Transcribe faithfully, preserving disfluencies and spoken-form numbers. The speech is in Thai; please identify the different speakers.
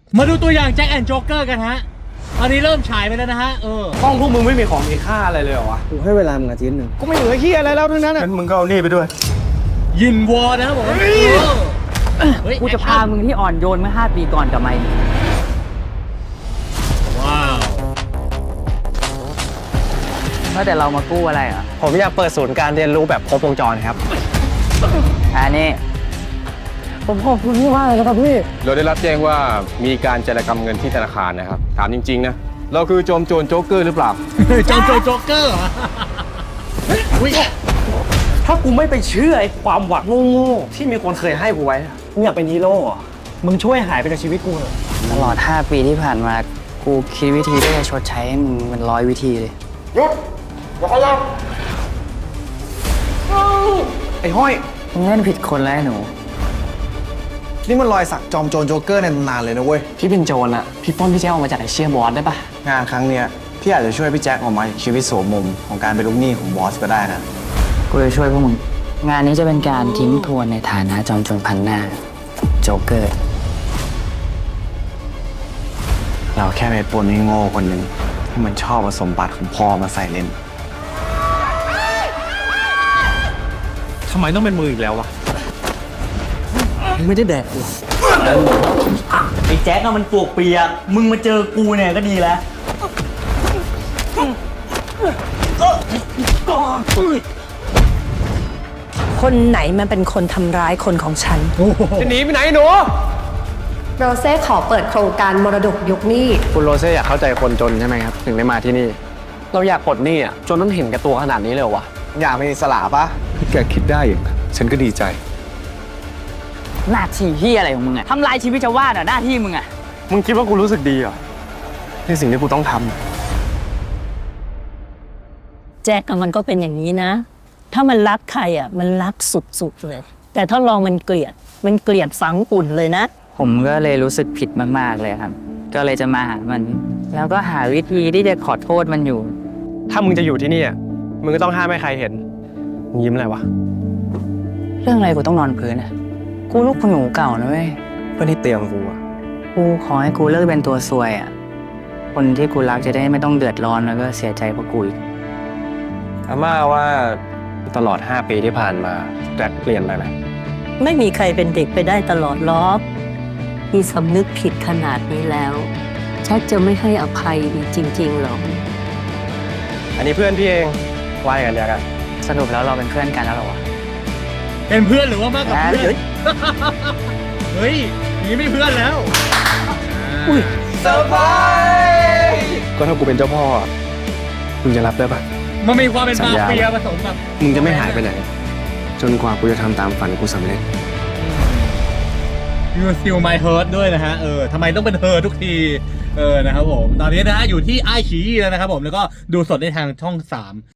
Speaker 1: มาดูตัวอย่างแจ็คแอนด์โจ๊กเกอร์กันฮะอันนี้เริ่มฉายไปแล้วนะฮะเออ
Speaker 2: ห้องพวกมึงไม่มีของมีค่าอะไรเลยเหรอวะ
Speaker 3: กูให้เวลามึงอาทิตย์หนึ่ง
Speaker 2: กูไม่เหลือเฮียอะไรแล้วทั้งนั้นอ่ะงั้นมึงก็เอานี่ไปด้วย
Speaker 1: ยินวอร์นะครับผม
Speaker 4: กูจะพามึงที่อ่อนโยนเมื่อห้าปีก่อนกลับมา
Speaker 1: ว้าว
Speaker 4: เมื่อแต่เรามากู้อะไรอ่ะ
Speaker 2: ผมอยากเปิดศูนย์การเรียนรู้แบบครบวงจรครับ
Speaker 4: อันนี้
Speaker 3: ผมขอบคุณพี่มากเลยครับพี่
Speaker 5: เราได้รับแจ้งว่ามีการจารกรรมเงินที่ธนาคารนะครับถามจริงๆนะเราคือโจมโจรโจ๊กเกอร์หรือเปล่า
Speaker 1: โจมโจรโจ๊กเกอร์
Speaker 2: ถ้ากูไม่ไปเชื่อไอ้ความหวังโง่ๆที่มีคนเคยให้กูไว้มึงอยากเป็นฮีโร่มึงช่วยหายไปจากชีวิตกูเถอะ
Speaker 4: ตลอดห้าปีที่ผ่านมากูคิดวิธีที่จะชดใช้ให้มึงเป็นร้อยวิธีเลย
Speaker 2: หยุดอย่าขยับไอ้ห้อย
Speaker 4: มึงเล่นผิดคนแล้วหนู
Speaker 3: นี่มันรอยสักจอมโจรโจ๊กเกอร์ในตำนานเลยนะเว้ย
Speaker 4: พี่เป็นโจรอะพี่ป้นพี่แจ๊คออกมาจากไอเชียบอสได้ปะ
Speaker 3: งานครั้งเนี้ยพี่อาจจะช่วยพี่แจ็คออกมาจากชีวิตโสมมของการเป็นลูกหนี้ของบอสก็ได้นะ
Speaker 4: กูจะช่วยพวกมึงงานนี้จะเป็นการทิ้งทวนในฐานะจอมโจรพันหน้าโจ๊กเกอร์
Speaker 3: เราแค่เป็นปนที่โง่คนหนึ่งที่มันชอบเอาสมบัติของพ่อมาใส่เล่น
Speaker 2: ทำไมต้องเป็นมืออีกแล้ววะ
Speaker 3: ไม่ได้แดกกู
Speaker 4: ไอ้แจ๊คอะมันปวกเปียกมึงมาเจอกูเนี่ยก็ดีแล้ว
Speaker 6: คนไหนมันเป็นคนทำร้ายคนของฉัน
Speaker 2: จะหนีไปไหนหนู
Speaker 6: โรเซ่ขอเปิดโครงการมรดกยกหนี้
Speaker 2: คุณโรเซ่อยากเข้าใจคนจนใช่ไหมครับถึงได้มาที่นี่เราอยากปลดหนี้อ่ะจนต้องเห็นกับตัวขนาดนี้เลยวะ
Speaker 3: อยากเป็นอิสระปะ
Speaker 5: ถ้าแกคิดได้อย่างนั้นฉันก็ดีใจ
Speaker 4: หน้าที่ที่อะไรของมึงอะทำลายชีวิตชาวบ้านอะหน้าที่มึงอะ
Speaker 2: มึงคิดว่ากูรู้สึกดีเหรอในสิ่งที่กูต้องท
Speaker 6: ำแจ็คมันก็เป็นอย่างนี้นะถ้ามันรักใครอ่ะมันรักสุดๆเลยแต่ถ้าลองมันเกลียดมันเกลียดฝังกุ่นเลยนะ
Speaker 4: ผมก็เลยรู้สึกผิดมากๆเลยครับก็เลยจะมาหามันแล้วก็หาวิธีที่จะขอโทษมันอยู่
Speaker 2: ถ้ามึงจะอยู่ที่นี่มึงก็ต้องห้ามไม่ใครเห็นมึงยิ้มอะไรวะ
Speaker 4: เรื่องอะไรกูต้องนอนพื้นอะกูลูกคุณหนูเก่านะเว้ย
Speaker 2: เพื่อนที่เตียงกูอะ
Speaker 4: กูขอให้กูเลิกเป็นตัวซวยอะคนที่กูรักจะได้ไม่ต้องเดือดร้อนแล้วก็เสียใจเพราะกูอีก
Speaker 2: อาม่าว่าตลอดห้าปีที่ผ่านมาแจ็คเปลี่ยนไปไหม
Speaker 6: ไม่มีใครเป็นเด็กไปได้ตลอดล้อที่สำนึกผิดขนาดนี้แล้วแจ็คจะไม่ให้อภัยจริงๆหรอ
Speaker 2: อันนี้เพื่อนพี่เองว่ากันเดียวกัน
Speaker 4: สรุปแล้วเราเป็นเพื่อนกันแล้วหรอวะ
Speaker 1: เป็นเพื่อนหรือว่ามากกว่าเพื่อนเฮ้ยนี่ไม่เพื่อนแล้ว
Speaker 2: อุ้ยเซอร์ไพรส์ก็ถ้ากูเป็นเจ้าพ่อมึงจะรับได้ปะ
Speaker 1: มันมีความเป็นมาเฟียผสมกับ
Speaker 2: มึงจะไม่หายไปไหนจนกว่ากูจะทำตามฝันกูสำเร็จ
Speaker 1: You Still My Heart ด้วยนะฮะเออทำไมต้องเป็นเธอทุกทีเออนะครับผมตอนนี้นะฮะอยู่ที่ไอชีแล้วนะครับผมแล้วก็ดูสดในทางช่องสาม